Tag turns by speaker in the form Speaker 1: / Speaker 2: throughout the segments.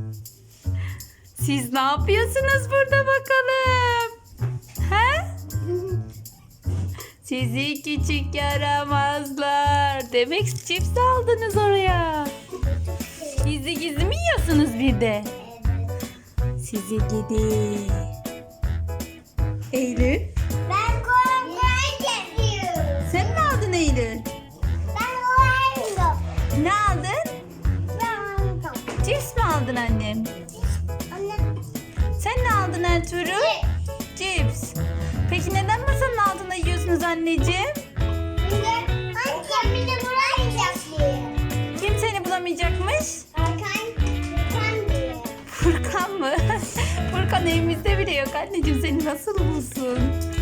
Speaker 1: Siz ne yapıyorsunuz burada bakalım? He? Sizi küçük yaramazlar. Demek cips aldınız oraya. Gizli gizli mi yiyorsunuz bir de? Sizi gidi. Eylül.
Speaker 2: Ben korkuyorum yapıyorum.
Speaker 1: Sen ne aldın Eylül?
Speaker 2: Ben korkuyorum.
Speaker 1: Ne aldın?
Speaker 2: Ben korkuyorum.
Speaker 1: Cips mi aldın annem?
Speaker 2: Anne.
Speaker 1: Sen ne aldın Ertuğrul? Cips. Peki neden masanın altında yiyorsunuz anneciğim?
Speaker 2: Anne beni bulamayacak diye.
Speaker 1: Kim seni bulamayacakmış?
Speaker 2: Hakan diye.
Speaker 1: Furkan mı? Furkan evimizde bile yok anneciğim, seni nasıl bulsun?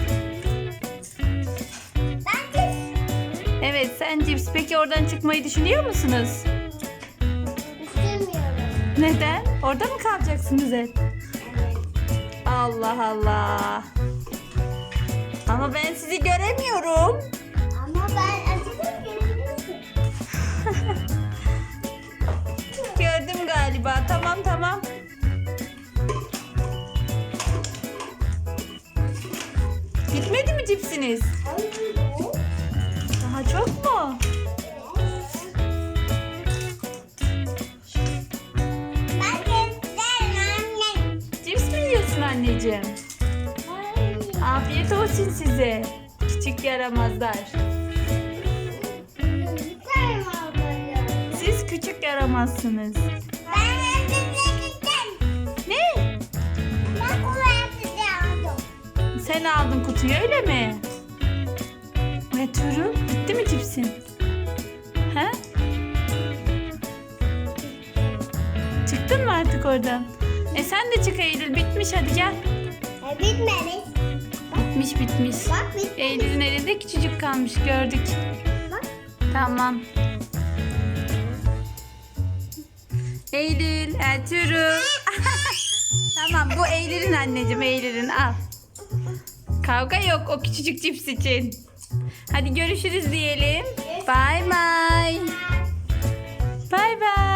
Speaker 2: Ben de
Speaker 1: Evet, sen cips. Peki oradan çıkmayı düşünüyor musunuz?
Speaker 2: istemiyorum.
Speaker 1: Neden? Orada mı kalacaksınız hep? Allah Allah. Ama ben sizi göremiyorum.
Speaker 2: Ama ben acıdım görüyorsun.
Speaker 1: Gördüm galiba. Tamam tamam. Bitmedi mi cipsiniz? Daha çok mu?
Speaker 2: Ben de annem.
Speaker 1: Cips mi yiyorsun anneciğim? Afiyet olsun size. Küçük yaramazlar. Siz küçük yaramazsınız.
Speaker 2: Ben gittim.
Speaker 1: Ne?
Speaker 2: Ben kulağımı aldım.
Speaker 1: Sen aldın kutuyu öyle mi? Ertuğrul, bitti mi cipsin? He? Çıktın mı artık oradan? Sen de çık Eylül, bitmiş, hadi gel.
Speaker 2: Bitmemiş.
Speaker 1: Bitmiş bitmiş.
Speaker 2: Bak bitmemiş.
Speaker 1: Eylül'ün elinde küçücük kalmış, gördük.
Speaker 2: Bak.
Speaker 1: Tamam. Eylül, Ertuğrul. Tamam, bu Eylül'ün anneciğim, Eylül'ün, al. Kavga yok o küçücük cips için. Hadi görüşürüz diyelim. Bay bay. Bay bay.